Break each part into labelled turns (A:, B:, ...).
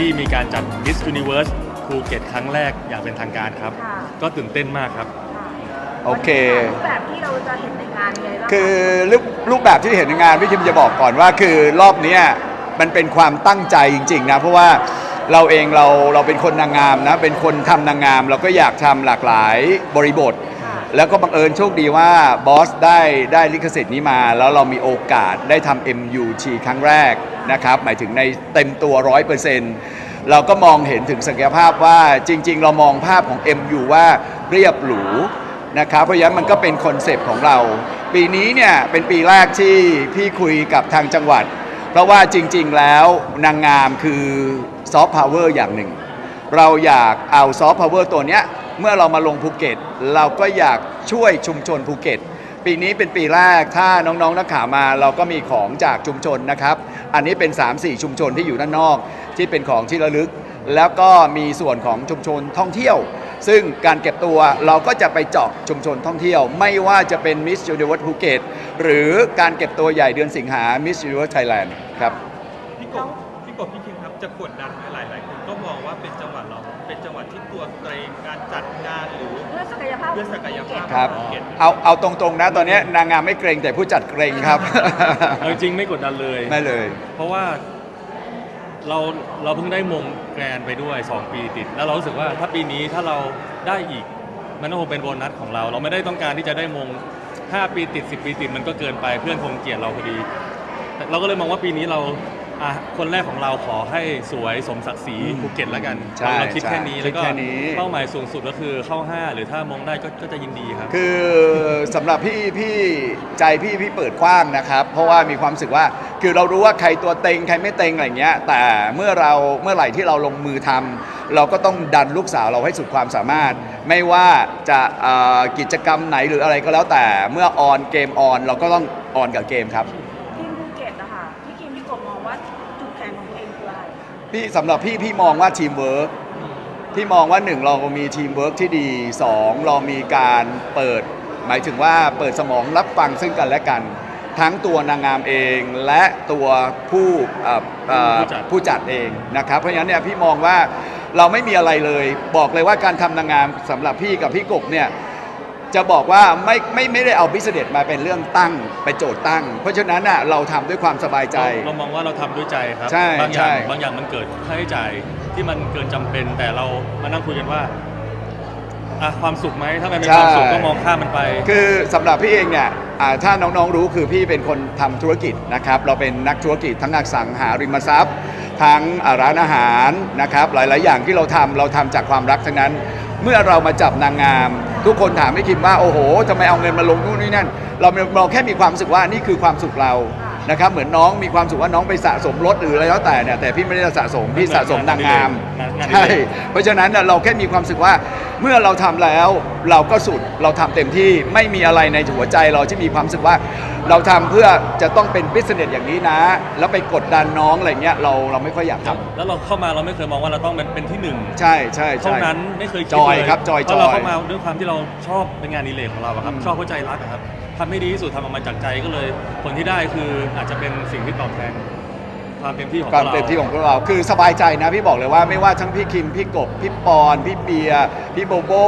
A: ที่มีการจัด Miss Universe ภูเก็ตครั้งแรกอย่างเป็นทางการครับก็ตื่นเต้นมากครับ
B: โอเค
C: รูปแบบที่เราจะเห็นในงานยังไงบ้าง
B: คือรูปแบบที่เห็นในงานพี่คิมจะบอกก่อนว่าคือรอบนี้มันเป็นความตั้งใจจริงๆนะเพราะว่าเราเองเราเป็นคนนางงามนะเป็นคนทำนางงามเราก็อยากทำหลากหลายบริบทแล้วก็บังเอิญโชคดีว่าบอสได้ลิขสิทธิ์นี้มาแล้วเรามีโอกาสได้ทำ MUT ครั้งแรกนะครับหมายถึงในเต็มตัว 100%เราก็มองเห็นถึงศักยภาพว่าจริงๆเรามองภาพของ MU ว่าเรียบหรูนะครับเพราะฉะนั้นมันก็เป็นคอนเซปต์ของเราปีนี้เนี่ยเป็นปีแรกที่พี่คุยกับทางจังหวัดเพราะว่าจริงๆแล้วนางงามคือซอฟต์พาวเวอร์อย่างหนึ่งเราอยากเอาซอฟต์พาวเวอร์ตัวเนี้ยเมื่อเรามาลงภูเก็ตเราก็อยากช่วยชุมชนภูเก็ตปีนี้เป็นปีแรกถ้าน้องๆนักข่าวมาเราก็มีของจากชุมชนนะครับอันนี้เป็น 3-4 ชุมชนที่อยู่ด้านนอกที่เป็นของที่ระลึกแล้วก็มีส่วนของชุมชนท่องเที่ยวซึ่งการเก็บตัวเราก็จะไปเจาะชุมชนท่องเที่ยวไม่ว่าจะเป็น Miss Universe ภูเก็ตหรือการเก็บตัวใหญ่เดือนสิงหา Miss Universe Thailand ครับ
D: พี่กบพี่คิมครับจะกดดันหลายคนก็มองว่าเป็นจังหวัดเราเป็นจังหวัดที่ตัวเกรงการจัดงานหรือ
C: เพื่อศักยภาพ
B: ครับเอาตรงๆนะตอนนี้นางงามไม่เกรงแต่ผู้จัดเกรงครับ
A: จริงไม่กดดันเลย
B: ไม่เลย
A: เพราะว่าเราเพิ่งได้มงแกรนไปด้วย2 ปีติดแล้วเรารู้สึกว่าถ้าปีนี้ถ้าเราได้อีกมันก็คงเป็นโบนัสของเราไม่ได้ต้องการที่จะได้มง5 ปีติด10 ปีติดมันก็เกินไปเพื่อนคงเกลียดเราพอดีเราก็เลยมองว่าปีนี้เราคนแรกของเราขอให้สวยสมศักดิ์ศรีภูเก็ตแล้วกันเราคิดแค่นี้แล้วก็เป้าหมายสูงสุดก็คือเข้า5หรือถ้ามงได้ก็จะยินดีครับ
B: คือสำหรับพี่ใจพี่เปิดกว้างนะครับเพราะว่ามีความรู้สึกว่าคือเรารู้ว่าใครตัวเต็งใครไม่เต็งอะไรเงี้ยแต่เมื่อไหร่ที่เราลงมือทำเราก็ต้องดันลูกสาวเราให้สุดความสามารถไม่ว่าจะกิจกรรมไหนหรืออะไรก็แล้วแต่เมื่อออนเกมออนเราก็ต้องออนกับเกมครับพี่สำหรับพี่มองว่าทีมเวิร์กพี่มองว่า1เรามีทีมเวิร์กที่ดี2เรามีการเปิดหมายถึงว่าเปิดสมองรับฟังซึ่งกันและกันทั้งตัวนางงามเองและตัวผู้จัดเองนะครับเพราะฉะนั้นเนี่ยพี่มองว่าเราไม่มีอะไรเลยบอกเลยว่าการทำนางงามสำหรับพี่กับพี่กบเนี่ยจะบอกว่าไม่ได้เอาบิสเนสมาเป็นเรื่องตั้งไปโจทย์ตั้งเพราะฉะนั้นน่ะเราทำด้วยความสบายใจ
A: เรามองว่าเราทำด้วยใจครับบางอย่างมันเกิดค่าใช้จ่ายที่มันเกินจำเป็นแต่เรามานั่งคุยกันว่าความสุขไหมถ้ามันเป็นความสุขก็มองข้ามมันไป
B: คือสำหรับพี่เองเนี่ยถ้าน้องๆรู้คือพี่เป็นคนทำธุรกิจนะครับเราเป็นนักธุรกิจทั้งอสังหาริมทรัพย์ทั้งร้านอาหารนะครับหลายๆอย่างที่เราทำจากความรักทั้งนั้นเมื่อเรามาจับนางงามทุกคนถามไม่คิดว่าโอ้โหทำไมเอาเงินมาลงนู่นนี่นั่นเราแค่มีความรู้สึกว่านี่คือความสุขเรานะครับเหมือนน้องมีความสุขว่าน้องไปสะสมรถหรืออะไรแล้วแต่เนี่ยแต่พี่ไม่ได้สะสมพี่สะสมนางงามใช่เพราะฉะนั้นเราแค่มีความรู้สึกว่าเมื่อเราทำแล้วเราก็สุดเราทำเต็มที่ไม่มีอะไรในหัวใจเราที่มีความรู้สึกว่าเราทำเพื่อจะต้องเป็นบิสเนสอย่างนี้นะแล้วไปกดดันน้องอะไรเงี้ยเราไม่ค่อยอยากทำ
A: แล้วเราเข้ามาเราไม่เคยมองว่าเราต้องเป็นที่1
B: ใช่
A: เท่านั้นไม่เคยคิด
B: เลยครับจอย
A: เราเข้ามาด้วยความที่เราชอบเป็นงานอดิเรกของเราครับชอบเข้าใจรักครับทำให้ดีที่สุดทำออกมาจากใจก็เลยผลที่ได้คืออาจจะเป็นสิ่งที่ตอบแทนความเต็มที่ของ
B: เราคือสบายใจนะพี่บอกเลยว่าไม่ว่าทั้งพี่คิมพี่กบพี่ปอนพี่เบียร์พี่โบโบ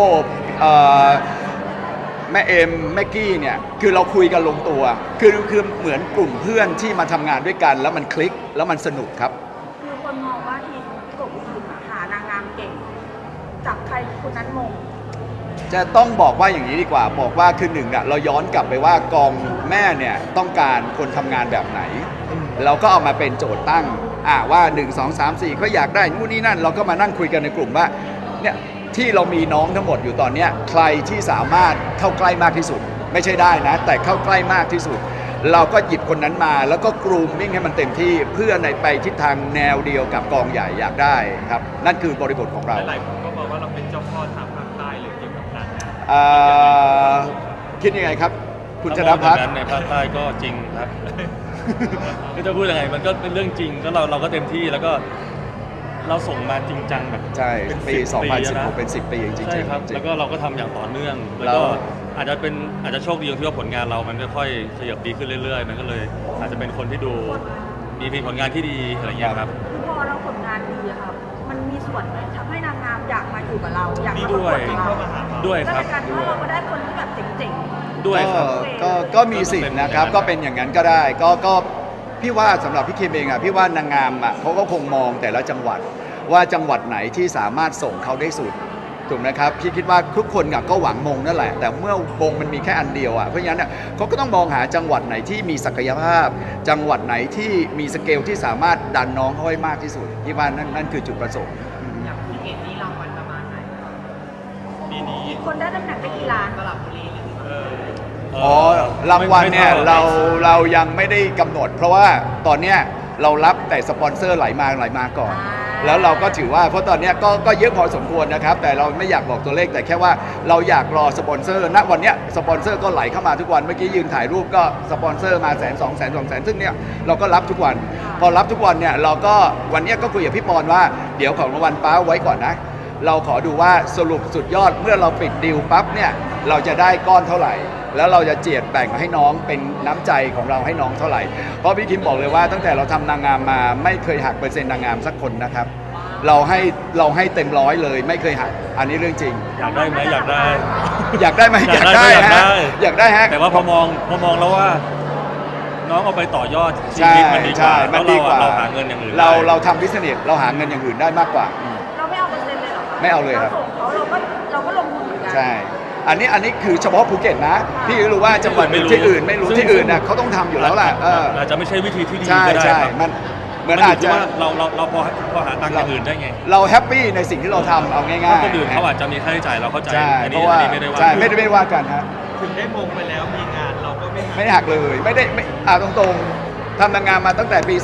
B: แม่เอ็มแม่กี้เนี่ยคือเราคุยกันลงตัวคือเหมือนกลุ่มเพื่อนที่มาทำงานด้วยกันแล้วมันคลิกแล้วมันสนุกครับ
C: คือคนมองว่าทีมพี่กบทีมหานางงามเก่งจับใครคนนั้นมง
B: จะต้องบอกว่าอย่างนี้ดีกว่าบอกว่าคือ1เราย้อนกลับไปว่ากองแม่เนี่ยต้องการคนทำงานแบบไหนเราก็เอามาเป็นโจทย์ตั้งว่า1 2 3 4เขาอยากได้นู่นนี่นั่นเราก็มานั่งคุยกันในกลุ่มว่าเนี่ยที่เรามีน้องทั้งหมดอยู่ตอนนี้ใครที่สามารถเข้าใกล้มากที่สุดไม่ใช่ได้นะแต่เข้าใกล้มากที่สุดเราก็หยิบคนนั้นมาแล้วก็กรูมมิ่งให้มันเต็มที่เพื่อในไปทิศทางแนวเดียวกับกองใหญ่อยากได้ครับนั่นคือบริบทของเรา
D: หลายคนก็บอกว่าเราเป็นเจ้าพ่อทางภาคใต้เลยเกี่ยวกับนางงาม
B: คิดยังไงครับคุณชนะพัฒน์
A: ในภาคใต้ก็จริงครับไม่จะพูดยังไงมันก็เป็นเรื่องจริงก็เราก็เต็มที่แล้วก็เราส่งมาจริงจังแบบ
B: ใช่ปี2016เป็น10 ปีจริงๆ
A: ใช่ครับแล้วก็เราก็ทำอย่างต่อเนื่องแล้วก็อาจจะโชคดีที่ว่าผลงานเรามันค่อยๆขยับดีขึ้นเรื่อยๆมันก็เลยอาจจะเป็นคนที่ดูมีผลงานที่ดีอะไรเงี้ยครับ
C: พอเราผลงานดีครับส่วนไหมทำให้นางงามอยากมาอยู่กับเราอยากมาประ
A: ด้
C: ก
A: ว
C: วย ดกับเรา
A: ด้วย
C: และ
A: ครับ
C: ในการที่ว่าเราก็ได้คนที่แบบเจ๋ง
A: ด้วยครับ
B: ก็มีสิทธิ์นะครับก็เป็นอย่างนั้นก็ได้ก็พี่ว่าสำหรับพี่คิมเองอ่ะพี่ว่านางงามอ่ะเขาก็คงมองแต่ละจังหวัดว่าจังหวัดไหนที่สามารถส่งเขาได้สุดถูกไหมครับพี่คิดว่าทุกคนก็หวังมงนั่นแหละแต่เมื่อมงมันมีแค่อันเดียวอ่ะเพราะฉะนั้นเขาก็ต้องมองหาจังหวัดไหนที่มีศักยภาพ จังหวัดไหนที่มีสเกลที่สามารถดันน้องเขาให้มากที่สุดพี่ว่านั่นคือจุดประสงค์
E: อย่างภูเก็ตนี่รางวัลประมาณไหน
D: ปีนี้
C: ๆคนได้ตำแหน่งได้กี่ล้าน
E: สลับบุรีหรือ
B: อ๋อรางวัลเนี่ยเรายังไม่ได้กำหนด เพราะว่าตอนเนี้ยเรารับแต่สปอนเซอร์ไหลมาก่อน แล้วเราก็ถือว่าเพราะตอนเนี้ยก็เยอะพอสมควรนะครับแต่เราไม่อยากบอกตัวเลขแต่แค่ว่าเราอยากรอสปอนเซอร์ณวันเนี้ยสปอนเซอร์ก็ไหลเข้ามาทุกวันเมื่อกี้ยืนถ่ายรูปก็สปอนเซอร์มา100,000 200,000 ซึ่งเนี่ยเราก็รับทุกวัน พอรับทุกวันเนี่ยเราก็วันเนี้ยก็คุยกับพี่ปอนว่าเดี๋ยวของรางวัลป้าไว้ก่อนนะ เราขอดูว่าสรุปสุดยอดเมื่อเราปิดดีลปั๊บเนี่ยเราจะได้ก้อนเท่าไหร่ แล้วเราจะเจียดแบ่งให้น้องเป็นน้ำใจของเราให้น้องเท่าไหร่เพราะพี่คิมบอกเลยว่าตั้งแต่เราทำนางงามมาไม่เคยหักเปอร์เซ็นต์นางงามสักคนนะครับเราให้เต็มร้อยเลยไม่เคยหักอันนี้เรื่องจริง
A: อยากได้ไหมอยากได้
B: อยากได้ไหมอยากได้ฮะอยากได้ฮะ
A: แต่ว่าพอมองแล้วว่า น้องเอาไปต่อยอดชี
B: ใช่
A: วิตมันดีก
B: ใช่
A: ว่า
B: มันดีกว่า
A: เราหาเงินอย่างอื่น
B: เราทำบิสเนสเราหาเงินอย่างอื่นได้มากกว่า
C: เราไม่เอาเปอร์เซ็นต์เลยเหรอคะ
B: ไม่เอาเลยครับ
C: ส่งเขาเราก็ลงทุนเหมือนกัน
B: ใช่ อันนี้คือเฉพาะภูเก็ตนะ พี่รู้ว่าจังหวัดที่อื่นไม่รู้ที่อื่นน่ะเขาต้องทำอยู่แล้วแหละ
A: อาจจะไม่ใช่วิธีที่ดี
B: ใช่
A: ก็ได้
B: ใช่
A: ครับ
B: มันเหมือน
A: มัน
B: อาจ
A: อยู่
B: จะ
A: ที่ว่าเราพอหาตังค์อย่างอื่นได้ไง
B: เราแฮปปี้ในสิ่งที่เราทำเอาง่ายๆ
A: ถ้าคนอื่นเขาอาจจะมีค่าใช้จ่ายเราเข้าใจ
B: ใช่
A: อัน
B: เพ
A: นี้
B: ราะว่า
A: ไม่ได้ว่า
B: ใช่ไม่ได้ว่ากันฮะ
D: ถึงได้มงไปแล้วมีงานเราก็ไม่หา
B: ไม่หักเลยไม่ได้ตรงๆทำนางงามมาตั้งแต่ปี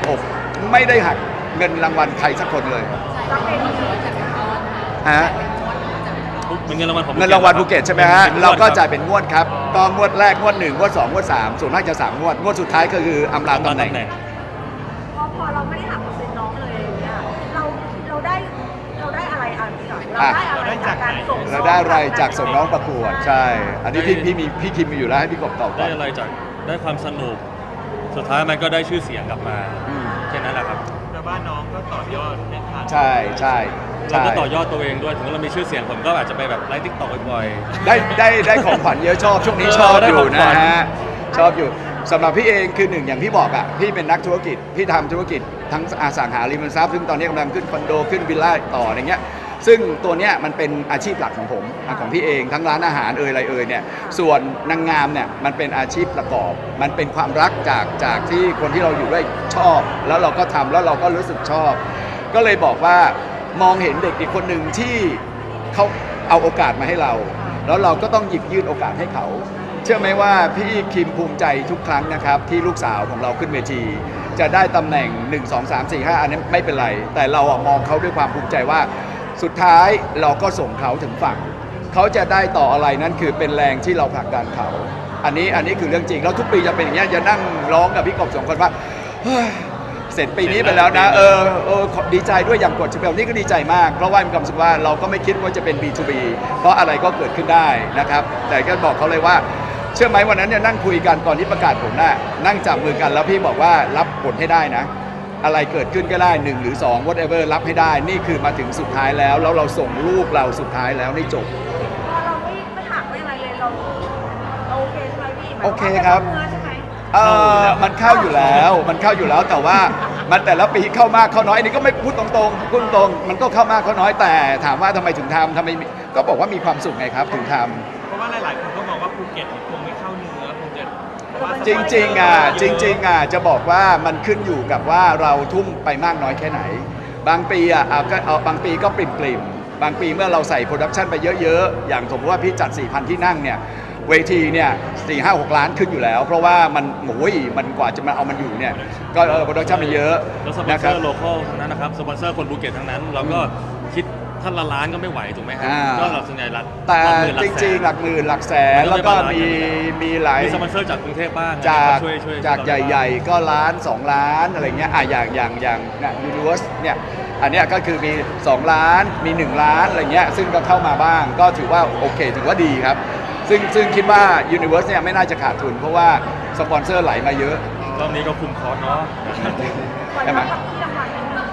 B: 2016 ไม่ได้หักเงินรางวัลใครสักคนเลย
C: รับเองนี่คือ
B: ฮะ
A: เป็นเงินรางวัลของ
B: เงินรางวัลภูเก็ตใช่ไหมฮะ
A: เป็นงวด
B: เราก็
A: คบ
B: จ่ายเป็นงวดครับก็งวดแรกงวด1งวด2งวด3ส่วนมากจะ3งวดสุดท้ายก็คืออำลาตำแหน่ง
C: พอเราไม่ได้หักเปอร์เซ็นต์น้องเลยอย่างเนี่ยเราได้อะไรอันนี้ก่อนเราได้อะไรจากการส่งน้อง
B: เราได้อะไรจากส่งน้องประกวดใช่ อันนี้พี่คิมมีอยู่แล้วให้พี่กบตอบก่
A: ได้
B: อน
A: อะไรจากได้ความสนุก สุดท้ายมันก็ได้ชื่อเสียงกลับมา
B: อืม
A: แค่นั้นแหละครับ
D: แต่ว่าน้องก็ต่อยอดไม่ทัน
B: ใช่ใช่
A: เราก็ต่อยอดตัวเองด้วยถึงเรามีชื่อเสียงผมก็อาจจะไปแบบไลฟ์ทิกตอกบ่อย
B: ได้ของขวัญเยอะชอบช่วงนี้ชอบ
A: ได้
B: อ
A: ขอยู่ งขวั
B: นะ
A: ญ
B: ฮะชอบอยู่สำหรับพี่เองคือหนึ่งอย่างที่บอกอ่ะพี่เป็นนักธุรกิจพี่ทำธุรกิจทั้งอสังหาริมทรัพย์ซึ่งตอนนี้กำลังขึ้นคอนโดขึ้นวิลล่าต่ออะไรเงี้ยซึ่งตัวเนี้ยมันเป็นอาชีพหลักของผมของพี่เองทั้งร้านอาหารอะไรเนี่ยส่วนนางงามเนี่ยมันเป็นอาชีพประกอบ มันเป็นความรักจากที่คนที่เราอยู่ด้วยชอบ แล้วเราก็ทำแล้วเราก็รู้สึกชอบ ก็เลยบอกว่ามองเห็นเด็กอีกคนหนึ่งที่เขาเอาโอกาสมาให้เรา แล้วเราก็ต้องหยิบยื่นโอกาสให้เขา เชื่อไหมว่าพี่คิมภูมิใจทุกครั้งนะครับที่ลูกสาวของเราขึ้นเวที จะได้ตำแหน่ง 1 2 3 4 5 อันนี้ไม่เป็นไร แต่เราอะมองเขาด้วยความภูมิใจว่า สุดท้ายเราก็ส่งเขาถึงฝั่ง เขาจะได้ต่ออะไรนั่นคือเป็นแรงที่เราผลักดันเขา อันนี้คือเรื่องจริงแล้วทุกปีจะเป็นอย่างเงี้ยจะนั่งร้องกับพี่กบสองคนว่าเฮ้ยเสร็จปีนี้ไปแล้วนะดีใจด้วยอย่างกดชเปลนี่ก็ดีใจมากเพราะว่ามีความรู้สึกว่าเราก็ไม่คิดว่าจะเป็น B2B เพราะอะไรก็เกิดขึ้นได้นะครับแต่ก็บอกเขาเลยว่าเชื่อไหมวันนั้นเนี่ยนั่งคุยกันก่อนที่ประกาศผลน่ะนั่งจับมือกันแล้วพี่บอกว่ารับผลให้ได้นะ อะไรเกิดขึ้นก็ได้1หรือ2 whatever รับให้ได้นี่คือมาถึงสุดท้ายแล้วเราส่งลูกเราสุดท้ายแล้วนี่จบ
C: พอเราไม่หักไม่อะไรเลยเราโอเคใช่ไหมพี่หมาย
B: โอ
C: ว่า
B: เคครับ
C: เนื้อใช่ไหม
B: มันเข้าอยู่แล้วแต่ว่ามันแต่ละปีเข้ามากเข้าน้อยอันนี้ก็ไม่พูดตรงๆมันก็เข้ามากเข้าน้อยแต่ถามว่าทำไมถึงทำก็บอกว่ามีความสุขไงครับถึงทำ
D: เพราะว่าหลายๆคนก็มองว่าภูเก็ตคงไม่เข้าเนื้อคงจะเพราะว่า
B: จริงๆจะบอกว่ามันขึ้นอยู่กับว่าเราทุ่มไปมากน้อยแค่ไหน บางปีบางปีก็ปริ่มๆบางปีเมื่อเราใส่โปรดักชันไปเยอะๆอย่างสมมติว่าพี่จัด 4,000 ที่นั่งเนี่ยเวทีเนี่ย4-5-6 ล้านขึ้นอยู่แล้ว เพราะว่ามันกว่าจะมาเอามันอยู่เนี่ยก็โปรดักชันมันเยอะ
A: แล้วสปอน
B: นะ
A: เซ
B: ครั
A: อบ ร์โลคอลทั้งนั้นนะครับสปอนเซอร์คนภูเก็ตทั้งนั้นเราก็คิดท่านละล้านก็ไม่ไหวถูกไหมครับ
B: อ่า
A: ก็เราส่วนใหญ่หลัก
B: แต่
A: หลักหมื่น
B: จริงๆหลักหมื่นหลักแสนแล้วก็มีหลาย
A: มีสปอนเซอร์จากกรุงเทพบ้าง
B: จาก
A: ช่วย
B: จากใหญ่ๆก็ล้าน2 ล้านอะไรเงี้ยอย่างเนี่ยยูนิเวอร์สเนี่ยอันเนี้ยก็คือมี 2 ล้านมี 1 ล้านอะไรเงี้ยซึ่งก็เข้ามาบ้างก็ถือว่าโอเคถือว่าดีครับ ซึ่งคิดว่า Universe เนี่ยไม่น่าจะขาดทุน เพราะว่าสปอนเซอร์ไหลมาเยอะ
A: รอบนี้ก็คุมคอร์สเนาะ
C: วัน
B: ใช่ไหม
C: รับที่รางวัลนิดนึง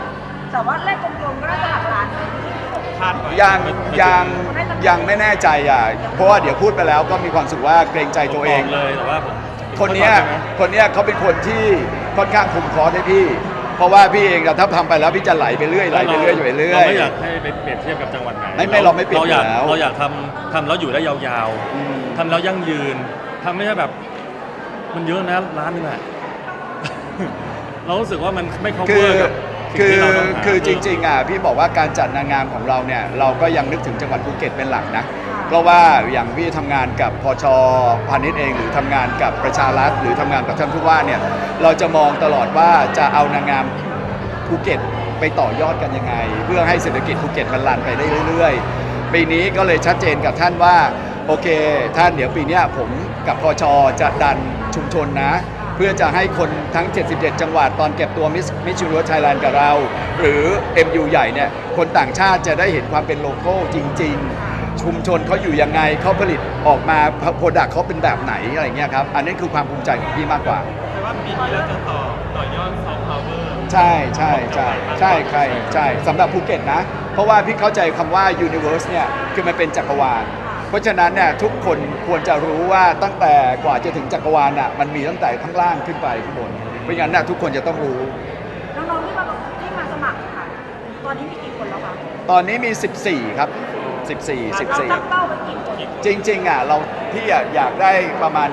C: แต่ว่าเลขกลมๆก็น่าจะหลักล้าน
D: คาดไว้
B: ยังไม่แน่ใจอ่ะเพราะว่าเดี๋ยวพูดไปแล้วก็มีความรู้สึกว่าเกรงใจตัวเอง
A: ผมบกเลยแต่ว่าผม
B: คนเนี้ยเขาเป็นคนที่ค่อนข้างคุมคอร์สให้พี่ เพราะว่าพี่เองอะถ้าทำไปแล้วพี่จะไหลไปเรื่อยอยู่ไปเรื่อย
A: เราไม่อยากให้ไปเปรียบเทียบกับจังหวัดไหน
B: เราไม่เปรียบ
A: เราอยากทำแล้วอยู่ได้ยาวๆทำแล้วยั่งยืนทำไม่ใช่แบบมันเยอะนะร้านนึงอะ เรารู้สึกว่ามันไม่ cover กับสิ่งที่เราต้องหา
B: คือจริงๆอ่ะพี่บอกว่าการจัดนางงามของเราเนี่ยเราก็ยังนึกถึงจังหวัดภูเก็ตเป็นหลักนะเพราะว่าอย่างพี่ทำงานกับพชพาณิชย์เองหรือทำงานกับประชารัฐหรือทำงานกับท่านผู้ว่าเนี่ยเราจะมองตลอดว่าจะเอานางงามภูเก็ตไปต่อยอดกันยังไง เพื่อให้เศรษฐกิจภูเก็ตมันรันไปได้เรื่อยๆปีนี้ก็เลยชัดเจนกับท่านว่าโอเคท่านเดี๋ยวปีเนี้ยผมกับพชจะดันชุมชนนะเพื่อจะให้คนทั้ง 77 จังหวัดตอนเก็บตัวมิสยูนิเวิร์สไทยแลนด์กับเรา หรือ MU ใหญ่เนี่ยคนต่างชาติจะได้เห็นความเป็นโลโก้จริง ๆ ชุมชนเขาอยู่ยังไงเขาผลิตออกมาโปรดักต์เขาเป็นแบบไหนอะไรเงี้ยครับอันนี้คือความภูมิใจของพี่มากกว่า
D: แต่ว่าปีนี้เราจะต่อยอดซอฟต์พาวเวอร์
B: ใช่สำหรับภูเก็ตนะ เพราะว่าพี่เข้าใจคำว่า Universe เนี่ยคือมันเป็นจักรวาลเพราะฉะนั้นเนี่ยทุกคนควรจะรู้ว่าตั้งแต่กว่าจะถึงจักรวาลน่ะมันมีตั้งแต่ข้างล่างขึ้นไปข้างบนเพราะฉะนั้นน่ะทุกคนจะต้องรู้
C: น้องๆที่มาสมัครค่ะ ตอนนี้มีกี่คนแล้วคะ
B: ตอนนี้มี 14 ครับ 14
C: เราตั้งเป้าไว้กี่คน
B: จริงๆอ่ะพี่อยากได้ประมาณ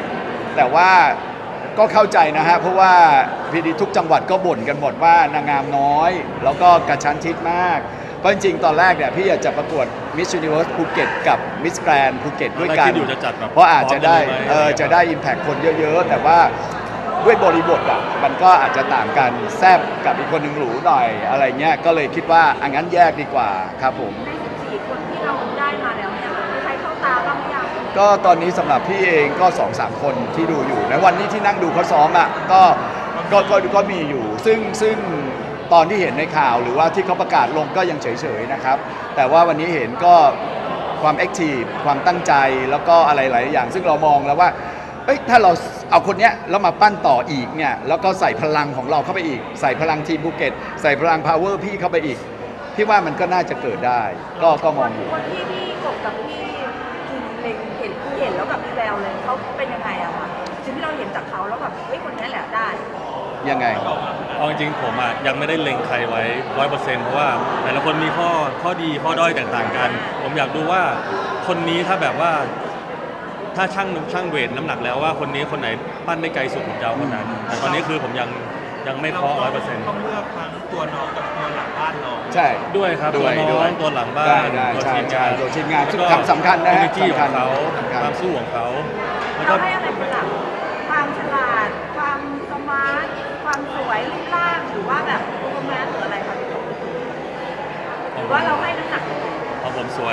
B: 20 แต่ว่าก็เข้าใจนะฮะเพราะว่าพีดีทุกจังหวัดก็บ่นกันหมดว่านางงามน้อย แล้วก็กระชั้นชิดมากเพราะจริงๆตอนแรกเนี่ยพี่อยากจะประกวด Miss Universe ภูเก็ตกับ Miss Grand ภูเก็ตด้วยกัน
A: คิดอยู่จะจัดแบบ
B: เพราะอาจจะได้
A: พร้อมกันเลยไหม
B: จะได้ Impact คนเยอะๆ แต่ว่าด้วยบริบทอ่ะมันก็อาจจะต่างกันแซบกับอีกคนหนึ่งหรูหน่อยอะไรเงี้ยก็เลยคิดว่าอังั้นแยกดีกว่าครับผม
C: ใน14 คนที่เราได้มาแล้วเนี่ยมีใครเข้าตาบ้างหรือยัง
B: ก็ตอนนี้สำหรับพี่เองก็ 2-3 คนที่ดูอยู่ในวันนี้ที่นั่งดูเขาซ้อมอ่ะก็มีอยู่ซึ่งตอนที่เห็นในข่าวหรือว่าที่เขาประกาศลงก็ยังเฉยๆนะครับแต่ว่าวันนี้เห็นก็ความแอคทีฟความตั้งใจแล้วก็อะไรหลายอย่าง ซึ่งเรามองแล้วว่าเอ้ยถ้าเราเอาคนเนี้ยแล้วมาปั้นต่ออีกเนี่ยแล้วก็ใส่พลังของเราเข้าไปอีกใส่พลังทีมภูเก็ตใส่พลังพาวเวอร์พี่เข้าไปอีกพี่ว่ามันก็น่าจะเกิดได้ก็มองอยู่
C: คนที่พี่กบกับพี่กินเล็งเห็นแล้วแบบมีแววเลยเขาเป็นยังไงอะคะสิ่งที่เราเห็นจากเขาแล้วแบบเฮ้ยคนนี้แหละได้
B: ยังไง
A: เอาจริงๆผมอะยังไม่ได้เล็งใครไว้ 100%เพราะว่าแต่ละคนมีข้อดีข้อด้อยแตกต่างกัน ผมอยากดูว่าคนนี้ถ้าแบบว่าถ้าช่างเวทน้ำหนักแล้วว่าคนนี้คนไหนปั้นได้ไกลสุดผมจะเอาคนนั้นแต่ตอนนี้คือผมยังไม่เคาะ 100%
D: ต้องเลือกทั้งตัวน้องกับตัวหลังบ้านน้อง
B: ใช่
A: ด้วยครับ
B: ด้
A: ตัว
B: วย
A: น้
B: ด้
A: อ
B: วย
A: งตัวหลังบ้าน
B: ได้
A: ตัว
B: ใช่
A: ทีมงาน
B: ตัวทีมงาน
A: แล้ว
B: ซึ่ง
A: ก็
B: สำคัญนะฮะ
A: energy ของเขา
B: สำคัญ
A: ความสู้ของเขาแล้ว
C: เรา
A: ก็
C: ให้อะไรเป็นหลักความฉลาด ความสมาร์ท ความสวยรูปร่างหรือว่าแบบโปรแกรมหรืออะไรคะพี่กบหรือว่าเราให้น้ำหนัก
A: ของผมสวย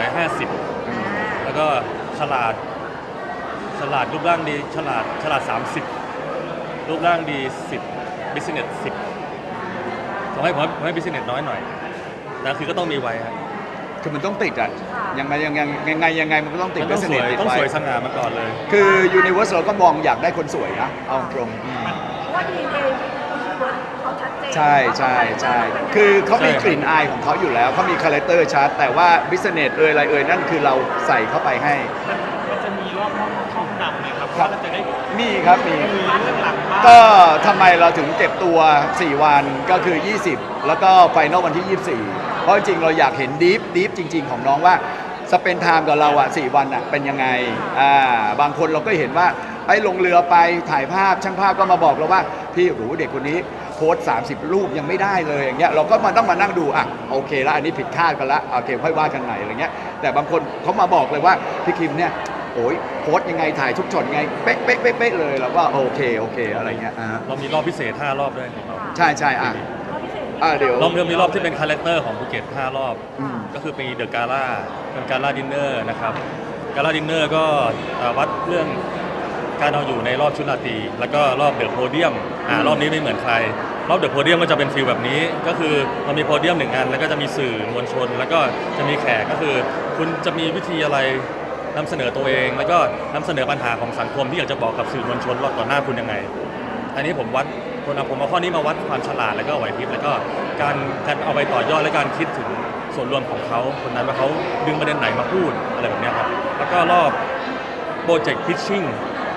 A: 50 แล้วก็ฉลาดรูปร่างดีฉลาด30 รูปร่างดี 10 business 10ผมให้ business น้อยหน่อยแต่คือก็ต้องมีไว้ครับ
B: คือมันต้องติดอ่ะยังไงมันก็ต้องติด
A: มันต้องสวย
B: ติด
A: ต้อง
B: ไว้
A: สวยสง่ามาก่อนเลย
B: คือ Universe เราก็มองอยากได้คนสวยนะเอาตรง
C: เพราะว่าดีเองเขาชัดเจน
B: ใช่คือเขามีกลิ่นอายของเขาอยู่แล้วเขามีคาแรคเตอร์ชัดแต่ว่า business อะไรนั่นคือเราใส่เข้าไปให้
D: มันจะมีรอบห้องนำไหมครับ
B: ครับ
D: ว่าเราจะได้
B: มีครับมี
D: คุยเรื่องหลังบ้าน
B: ก็ทำไมเราถึงเก็บตัว 4 วันก็คือ 20 แล้วก็ไฟนอลวันที่ 24 เพราะจริงๆเราอยากเห็นดีฟจริง ๆ ของน้องว่าสเปนไทม์กับเราอ่ะ4 วันอ่ะเป็นยังไงบางคนเราก็เห็นว่าไอ้ลงเรือไปถ่ายภาพช่างภาพก็มาบอกเราว่าพี่โหเด็กคนนี้โพสต์30 รูปยังไม่ได้เลยอย่างเงี้ยเราก็ต้องมานั่งดูอ่ะโอเคแล้วอันนี้ผิดคาดกันละโอเคค่อยว่ากันใหม่อะไรเงี้ยแต่บางคนเขามาบอกเลยว่าพี่คิมเนี่ยโอ้ยโพสต์ยังไงถ่ายทุกช็อตยังไงเป๊ะเลยแล้วก็โอเคอะไรเงี้ย
A: เรามีรอบพิเศษ 5 รอบด้วยของเรา
B: ใช่เดี๋ยว
A: รอบเดิมมีรอบที่เป็นคาแรคเตอร์ของภูเก็ต 5 รอบ
B: อืม
A: ก็คือมีเดอะกาล่าเป็นกาล่าดินเนอร์นะครับกาล่าดินเนอร์ก็วัดเรื่องการเอาอยู่ในรอบชุดราตรีแล้วก็รอบเดอะโพเดียมรอบนี้ไม่เหมือนใคร รอบเดอะโพเดียมก็จะเป็นฟีลแบบนี้ก็คือมันมีโพเดียม1 อันแล้วก็จะมีสื่อมวลชน แล้วก็จะมีแขกก็คือ คุณจะมีวิธีอะไรนำเสนอตัวเอง แล้วก็นำเสนอปัญหาของสังคมที่อยากจะบอกกับสื่อมวลชนรอบต่อหน้าคุณยังไง อันนี้ผมวัดผมเอาข้อนี้มาวัดความฉลาดแล้วก็ไหวพริบแล้วก็การเอาไปต่อยอดและการคิดถึงส่วนรวมของเขาคนนั้นว่าเขาดึงประเด็นไหนมาพูดอะไรแบบเนี้ยครับแล้วก็รอบโปรเจกต์พิชชิ่ง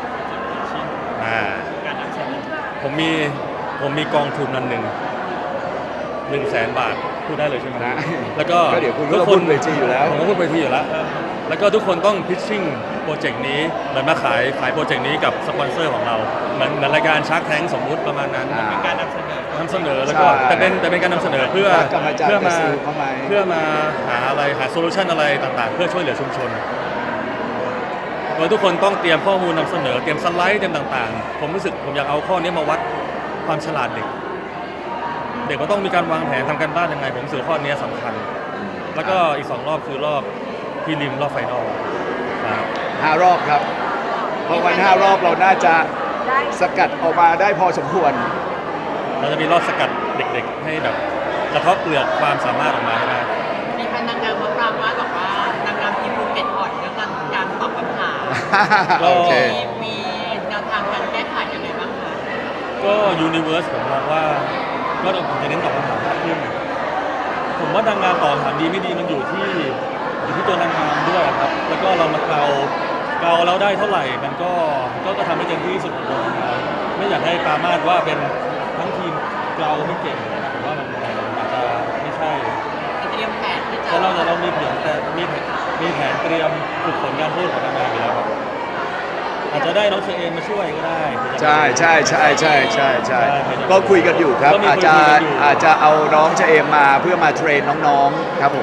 D: การนำเสนอ
A: ผมมีกองทุนนั้น100,000 บาทพูดได้เลยใช่ไหม
B: นะ
A: แล้วก็
B: ก็เดี๋ยวคุณก็พูดเวทีอยู่แล้ว
A: ผมก็พูดเวทีอยู่แล้วแล้วก็ทุกคนต้องพิชชิ่งโปรเจกต์นี้เหมือนมาขายโปรเจกต์นี้กับสปอนเซอร์ของเราเหมือนรายการชาร์กแทงสมมุติประมาณนั้น
B: อ่า
D: เป็นการนำเสนอ
A: แล้วก็
B: ใช่
A: แต่เป็นการนำเสนอเพื่อ
B: ว่ากรรมการ
A: เพื่อมา
B: จะซื้อเข้ามา
A: เพื่อมาหาโซลูชันอะไรต่างๆ เพื่อช่วยเหลือชุมชนโดยทุกคนต้องเตรียมข้อมูลนำเสนอเตรียมสไลด์เตรียมต่างๆ ผมรู้สึกผมอยากเอาข้อนี้มาวัดความฉลาดเด็กมันต้องมีการวางแผนทำการบ้านยังไงผมรู้สึกข้อนี้สำคัญ แล้วก็อีก2 รอบคือรอบพรีลิมรอบไฟนอลครับ
B: 5 รอบครับ เพราะวัน5 รอบเราน่าจะ
C: ได้
B: สกัดออกมาได้พอสมควร
A: เราจะมีรอบสกัดเด็กๆ ให้แบบกระเทบเปลือกความสามารถออกมาให้ได้
E: มีแฟนนางงามมาปรามว่าบอกว่านางงามทีมภูเก็ตอ่อนเรื่องการตอบคำถาม
B: โอเค
E: มีแนวทางการแก้ไขยังไงบ้างคะ
A: ก็ยูนิเวอร์สผมมองว่าก็ผมจะเน้นตอบคำถามมากขึ้นผมว่านางงามตอบคำถามดีไม่ดีมันอยู่ที่ตัวนางงามด้วยครับ แล้วก็เรามาเกาแล้วได้เท่าไหร่มันก็ทำให้เต็มที่ที่สุดของตัวนางงามไม่อยากให้ปรามาสว่าเป็นทั้งทีมเกาไม่เก่งนะผมว่ามันอาจจะไม่ใช่
E: จะเตรียมแผนที่จะ
A: แล้วเรามีแผนเตรียมฝึกฝนการพูดของนางงามอยู่แล้วครับอาจจะได้น้องเชอเอมมาช่วยก็ได้
B: ใช่ก็คุยกันอยู่ครับ
A: ก็มี
B: อาจ
A: คุย
B: จะ
A: กันอยู่
B: อาจจะเอาน้องเจเอมมาเพื่อมาเทรนน้องๆครับผม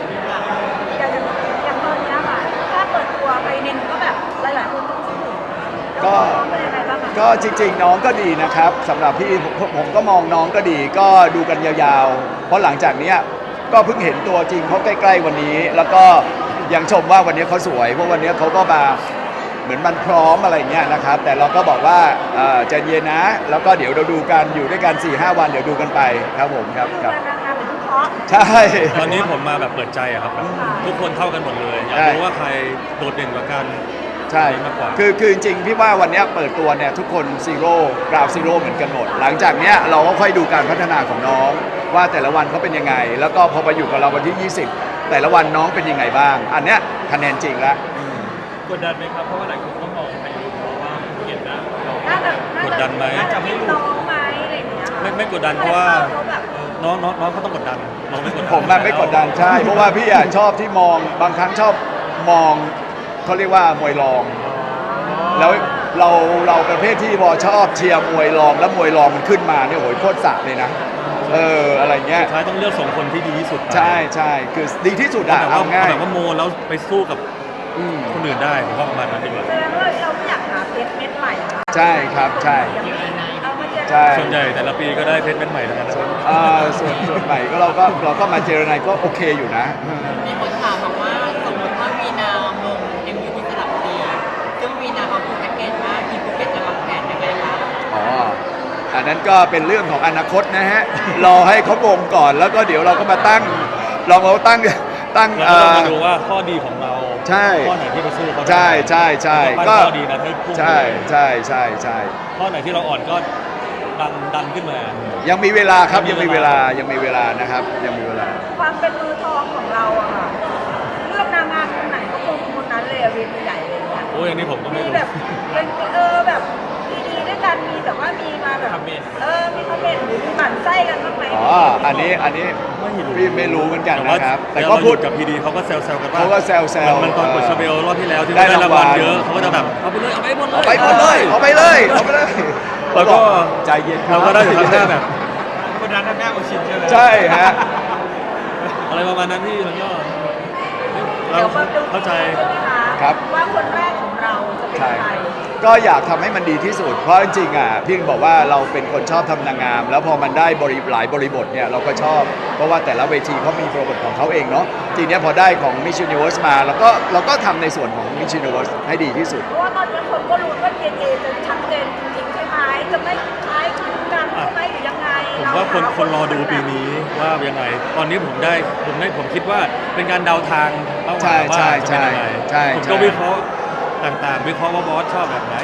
C: อย่างตอนเนี้ยค่ะถ้าเปิดตัวไปนินก็แบบหลายๆคนต้องพูดถึง
B: ก็
C: เป็นยังไงบ้างคะ
B: ก็จริงๆน้องก็ดีนะครับสำหรับพี่ผมก็มองน้องก็ดีก็ดูกันยาวๆ เพราะหลังจากเนี้ยก็เพิ่งเห็นตัวจริงเขาใกล้ๆวันนี้ แล้วก็ยังชมว่าวันนี้เขาสวยเพราะวันนี้เขาก็มาเหมือนมันพร้อมอะไรเงี้ยนะครับแต่เราก็บอกว่าใจเย็นนะ แล้วก็เดี๋ยวเราดูกันอยู่ด้วยกัน 4-5 วันเดี๋ยวดูกันไปครับผมครับ
C: คือ
B: ครับ
C: นางงามเป็นทุกเคราะห์
B: ใช่
A: ตอนนี้ผมมาแบบเปิดใจอะครับแบบทุกคนเท่ากันหมดเลยอยากรู้ว่าใครโดดเด่นกว่ากัน
B: ใช่
A: มากกว่า
B: คือจริงๆพี่ว่าวันเนี้ยเปิดตัวเนี่ยทุกคนซีโร่กราวซีโร่เหมือนกันหมด หลังจากเนี้ยเราก็ค่อยดูการพัฒนาของน้อง ว่าแต่ละวันเขาเป็นยังไง แล้วก็พอมาอยู่กับเราวันที่ 20 แต่ละวันน้องเป็นยังไงบ้าง อันเนี้ยคะแนนจริงแล้ว
D: กดดันไหมครับเพราะว่าหลายคนก็มองไปอยู่เพราะว่าภูเก็ตนะเรา
A: กดดันไหม
C: น่าจะไม่น้องไหมอะไรอย่างเงี้ยค่ะ
A: ไม่กดดันเพราะว่า
C: เขาแบบ
A: น้องเขาต้องกดดันเราไม่กดดัน
B: ผมไม่กดดันใช่ เพราะว่าพี่ชอบที่มองบางครั้งชอบมองเขาเรียกว่ามวยรอง แล้วเราประเภทที่พอชอบเชียร์มวยรองแล้วมวยรองมันขึ้นมาเนี่ยโหยโคตรสะเลยนะอะไรเงี้ย
A: สุดท้ายต้องเลือกส่งคนที่ดีที่สุดไป
B: ใช่คือดีที่สุด
A: เอา
B: อะ
A: แบบว่า
B: เอาง่าย
A: แบบว่าโมแล้วไปสู้กับ
B: อืม
A: คนอื่นได้ผมว่าประมาณนั้นดีกว่า
C: แสดงว่าเราไม่อยากหาเพชรเม็ดใหม่เหรอคะ
B: ใช่ครับใช่
C: เอามาเจอ
B: ใช่
A: ส่วนใหญ่แต่ละปีก็ได้เพชรเม็ดใหม่ทั้งนั้นนะครับ
B: ส่วนใหม่ก็เราก็มาเจรนายก็โอเคอยู่นะ
E: มีคนถามบอกว่าสมมติว่าวีนามง MUT สระบุรีซึ่งวีนาเขาพูดแพ็กเกจว่าทีมภูเก็ตจะวางแผนยังไงคะ
B: อ๋อ อันนั้นก็เป็นเรื่องของอนาคตนะฮะ รอให้เขาวงก่อนแล้วก็เดี๋ยวเราก็มาตั้งเราตั้ง
A: เราก็ต้องมาดูว่าข้อดีของเรา
B: ใช่
A: ข้อไหนที่ไปสู้เขาได้
B: ใช่
A: ก็
B: ก็
A: ข้อดีนั้นให้พุ่ง
B: ใช่
A: ข้อไหนที่เราอ่อนก็ดันขึ้นมา
B: ยังมีเวลาครับ
A: ยั
B: ยัง
A: งมี
B: มีเว
A: เว
B: ลา
A: ลา
B: ยังมีเวลานะครับยังมีเวลา
C: ความเป็นมือทองของเราอะค่ะเลือกนางงามคนไหนก็คงคนนั้นเลยอะเวทีใหญ่เลยเนี่ย
A: โอ้ยอันนี้ผมก็ไม่
C: มี
A: รู้
C: แบบเป็นแบบดีๆด้วยกันมีแต่ว่ามีมาแบบมีคอมเมนต์หรือมีหมั่นไส้กันบ้างไหม
B: อ๋อ อันนี้
A: ไม่รู้
B: พี่ไม่รู้เหมือนกัน
A: แต่ว่า
B: นะครับ แต่
A: แต่
B: ก็
A: ก็
B: พู
A: พู
B: ด
A: ดกับพีดีเขาก็แซวๆกันว่า
B: เขาก็แซวๆ
A: มันตอนกดชาเบลรอบที่แล้วที่
B: ได้
A: ได้รางวัล
B: รางวัล
A: เยอะเขาก็จะแบบเอาไปเลยเอาไปหมดเลย
B: เอาไปหมดเลยเอาไปเลยเอาไปเลย
A: แล้วก็
B: ใจเย็นคบ
A: เราก็ได้ถึงทำหน้าแบบ
D: กดดันทำหน้าโอชินใช่ไหม
B: ใช่ฮะ
A: อะไรประมาณนั้นพี่แล้วก็เรา
C: เดี๋ยวมาดู
A: เข้าใจ
C: ใช่ไหมคะ
B: ครับ
C: ว่าคนแรกของเราจะเป็น
B: ใช่
C: ใคร
B: ก็อยากทำให้มันดีที่สุด เพราะจริงๆอ่ะพี่บอกว่าเราเป็นคนชอบทำนางงาม แล้วพอมันได้หลายบริบทเนี่ยเราก็ชอบ เพราะว่าแต่ละเวทีเขามีบริบทของเขาเองเนาะทีเนี้ยพอได้ของ Miss Universe มาเราก็ทำในส่วนของ Miss Universe ให้ดีที่สุด
C: เพราะว่าตอนนี้คนก็รู้ว่า DNA จะชัดเจนจริงๆใช่ไหมจะไม่คล้ายคลึงกันใช่ไหมหรือยังไง
A: ผมว่าคนรอดูปีนี้ว่ายังไง ตอนนี้ผมคิดว่าเป็นการเดาทางเป้าหมายว่าจะเป็นยังไง
B: ใช่
A: ผมก็วิเคราะห์ต่างๆ วิเคราะห์ว่าบอสชอบแบบไหน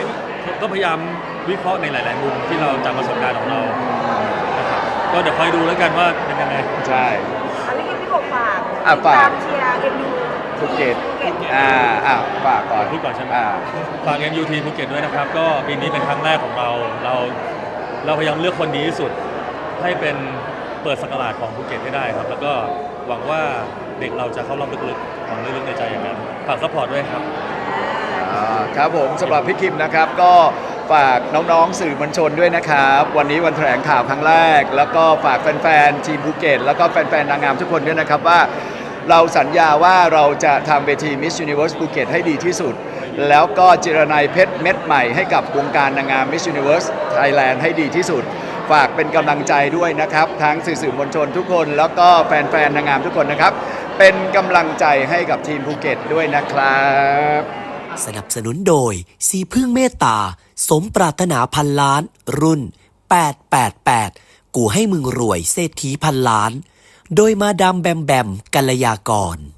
A: ก็พยายามวิเคราะห์ในหลาย ๆ มุมที่เราจากประสบการณ์ของเรานะครับก็เดี๋ยวคอยดูแล้วกันว่าเป็นยังไง
B: ใช่
C: อันนี้พี่กบฝาก
B: อ่ะ
C: ติด
B: ฝาก
C: ตามเชียร์เอ็มยู
B: ภูเก็ต
C: ภูเก็ต
B: ฝากก่อน
A: พูดก่อนใช่ไหม
B: อ่า
A: ฝาก MUT ภูเก็ตด้วยนะครับ ก็ปีนี้เป็นครั้งแรกของเราพยายามเลือกคนดีที่สุด ให้เป็นเปิดศักราชของภูเก็ตให้ได้ครับ แล้วก็หวังว่าเด็กเราจะเข้ารอบลึกๆของลึกๆในใจอย่างนั้นฝากซัพพอร์ตด้วยครับ
B: ครับผมสำหรับพี่คิมนะครับก็ฝากน้องๆสื่อมวลชนด้วยนะครับ วันนี้วันแถลงข่าวครั้งแรก แล้วก็ฝากแฟนๆทีมภูเก็ตแล้วก็แฟนๆนางงามทุกคนด้วยนะครับว่าเราสัญญาว่าเราจะทำเวที Miss Universe ภูเก็ตให้ดีที่สุด แล้วก็เจรไนยเพชรเม็ดใหม่ให้กับวงการนางงาม Miss Universe Thailand ให้ดีที่สุด ฝากเป็นกำลังใจด้วยนะครับทั้งสื่อมวลชนทุกคนแล้วก็แฟนๆนางงามทุกคนนะครับเป็นกำลังใจให้กับทีมภูเก็ตด้วยนะครับ
F: สนับสนุนโดยสีพึ่งเมตตา สมปรารถนาพันล้าน รุ่น 888 กูให้มึงรวยเศรษฐีพันล้าน โดยมาดามแบมแบมกัลยากร